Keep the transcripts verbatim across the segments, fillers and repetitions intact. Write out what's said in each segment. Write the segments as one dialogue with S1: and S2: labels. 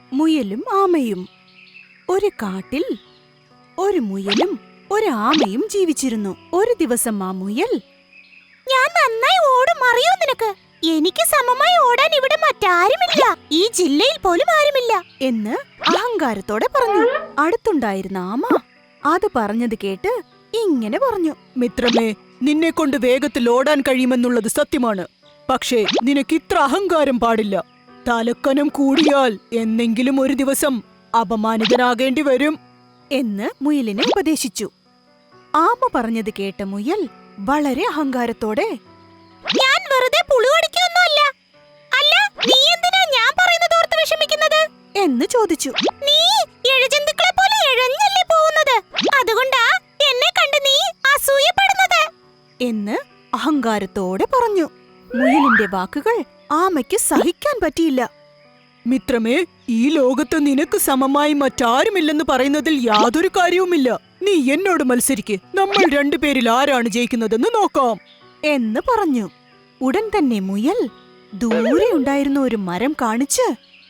S1: മുയലും ആമയും. ഒരു കാട്ടിൽ ഒരു മുയലും ഒരു ആമയും ജീവിച്ചിരുന്നു. ഒരു ദിവസം ആ മുയൽ, ഞാൻ നന്നായി ഓടും, അറിയോ നിനക്ക്? എനിക്ക് സമമായി ഓടാൻ ഇവിടെ മറ്റാരുമില്ല, ഈ ജില്ലയിൽ പോലും ആരുമില്ല എന്ന് അഹങ്കാരത്തോടെ പറഞ്ഞു. അടുത്തുണ്ടായിരുന്ന ആമ അത് പറഞ്ഞത് കേട്ട് ഇങ്ങനെ പറഞ്ഞു,
S2: മിത്രമേ, നിന്നെ കൊണ്ട് വേഗത്തിൽ ഓടാൻ കഴിയുമെന്നുള്ളത് സത്യമാണ്. പക്ഷേ നിനക്ക് ഇത്ര അഹങ്കാരം പാടില്ല. തലക്കനം കൂടിയാൽ എന്നെങ്കിലും ഒരു ദിവസം അപമാനിതനാകേണ്ടി വരും
S1: എന്ന് മുയലിനെ ഉപദേശിച്ചു. ആമ പറഞ്ഞത് കേട്ട മുയൽ വളരെ അഹങ്കാരത്തോടെ, ഞാൻ വെറുതെ പുളുവടിക്കൊന്നുമല്ല. അല്ല, നീ എന്തിനാ ഞാൻ പറയുന്നത് ഓർത്ത് വിഷമിക്കുന്നത് എന്ന് ചോദിച്ചു. നീ ഇഴജന്തുക്കളെ പോലെ ഇഴഞ്ഞല്ലേ പോകുന്നത്, അതുകൊണ്ടാ എന്നെ കണ്ട് നീ അസൂയപ്പെടുന്നത് എന്ന് അഹങ്കാരത്തോടെ പറഞ്ഞു. മുയലിന്റെ വാക്കുകൾ ആമയ്ക്ക് സഹിക്കാൻ പറ്റിയില്ല.
S2: മിത്രമേ, ഈ ലോകത്ത് നിനക്ക് സമമായി മറ്റാരുമില്ലെന്ന് പറയുന്നതിൽ യാതൊരു കാര്യവുമില്ല. നീ എന്നോട് മത്സരിക്ക്, നമ്മൾ രണ്ടുപേരിൽ ആരാണ് ജയിക്കുന്നതെന്ന് നോക്കാം
S1: എന്ന് പറഞ്ഞു. ഉടൻ തന്നെ മുയൽ ദൂരെ ഉണ്ടായിരുന്ന ഒരു മരം കാണിച്ച്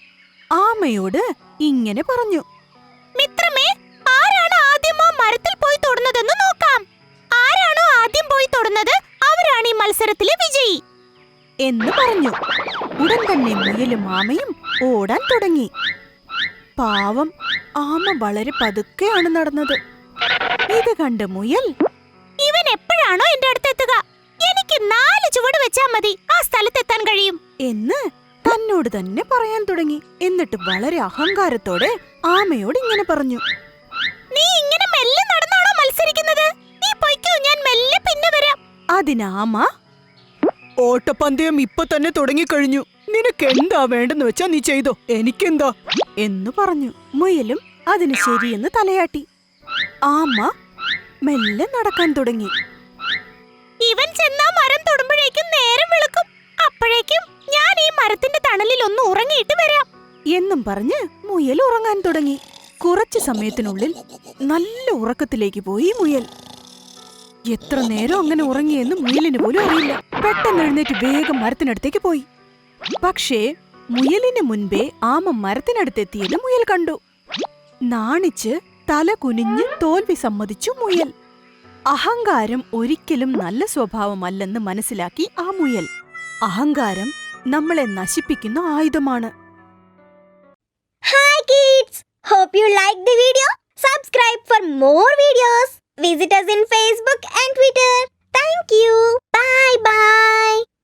S1: ആമയോട് ഇങ്ങനെ പറഞ്ഞു, മിത്രമേ, ആരാണ് ആദ്യം ആ മരത്തിൽ പോയി തൊടുന്നതെന്ന് നോക്കാം. ആരാണോ ആദ്യം പോയി തൊടുന്നത് അവരാണ് ഈ മത്സരത്തിലെ വിജയി എന്ന് പറഞ്ഞു. ഉടൻ തന്നെ മുയലും ആമയും ഓടാൻ തുടങ്ങി. പാവം, ആമ വളരെ പതുക്കെയാണ് നടന്നത്. ഇത് കണ്ട് മുയൽ, ഇവൻ എപ്പോഴാണോ എന്റെ അടുത്തെത്തുക? എനിക്ക് നാല് ചുവട് വെച്ചാ മതി ആ സ്ഥലത്തെത്താൻ കഴിയും എന്ന് തന്നോട് തന്നെ പറയാൻ തുടങ്ങി. എന്നിട്ട് വളരെ അഹങ്കാരത്തോടെ ആമയോട് ഇങ്ങനെ പറഞ്ഞു, നീ ഇങ്ങനെ മെല്ലെ നടന്നാണോ മത്സരിക്കുന്നത്? നീ പൊയ്ക്കോ, ഞാൻ മെല്ലെ പിന്നെ വരാം. അതിനാമ,
S2: ഓട്ടപ്പന്തയം ഇപ്പൊ തന്നെ തുടങ്ങിക്കഴിഞ്ഞു. നിനക്ക് എന്താ വേണ്ടെന്ന് വെച്ചാ നീ ചെയ്തോ, എനിക്കെന്താ
S1: എന്നു പറഞ്ഞു. മുയലും അതിന് ശരിയെന്ന് തലയാട്ടി. ആമ മെല്ലെ നടക്കാൻ തുടങ്ങി. ഇവൻ ചെന്നാ മരം തൊടുമ്പോഴേക്കും നേരം വെളുക്കും, അപ്പോഴേക്കും ഞാൻ ഈ മരത്തിന്റെ തണലിൽ ഒന്ന് ഉറങ്ങിയിട്ട് വരാം എന്നും പറഞ്ഞ് മുയൽ ഉറങ്ങാൻ തുടങ്ങി. കുറച്ചു സമയത്തിനുള്ളിൽ നല്ല ഉറക്കത്തിലേക്ക് പോയി മുയൽ. എത്ര നേരം അങ്ങനെ ഉറങ്ങിയെന്ന് മുയലിന് പോലും അറിയില്ല. പെട്ടെന്ന് എഴുന്നേറ്റ് വേഗം മരത്തിനടുത്തേക്ക് പോയി. പക്ഷേ മുയലിന് മുൻപേ ആമ മരത്തിനടുത്തെത്തിയത് മുയൽ കണ്ടു. നാണിച്ച് തല കുനിഞ്ഞ് തോൽവി സമ്മതിച്ചു മുയൽ. അഹങ്കാരം ഒരിക്കലും നല്ല സ്വഭാവമല്ലെന്ന് മനസ്സിലാക്കി ആ മുയൽ. അഹങ്കാരം നമ്മളെ നശിപ്പിക്കുന്ന ആയുധമാണ്.
S3: Hi kids! Hope you liked the video. Subscribe for more videos. Visit us in Facebook and Twitter. Thank you. Bye bye.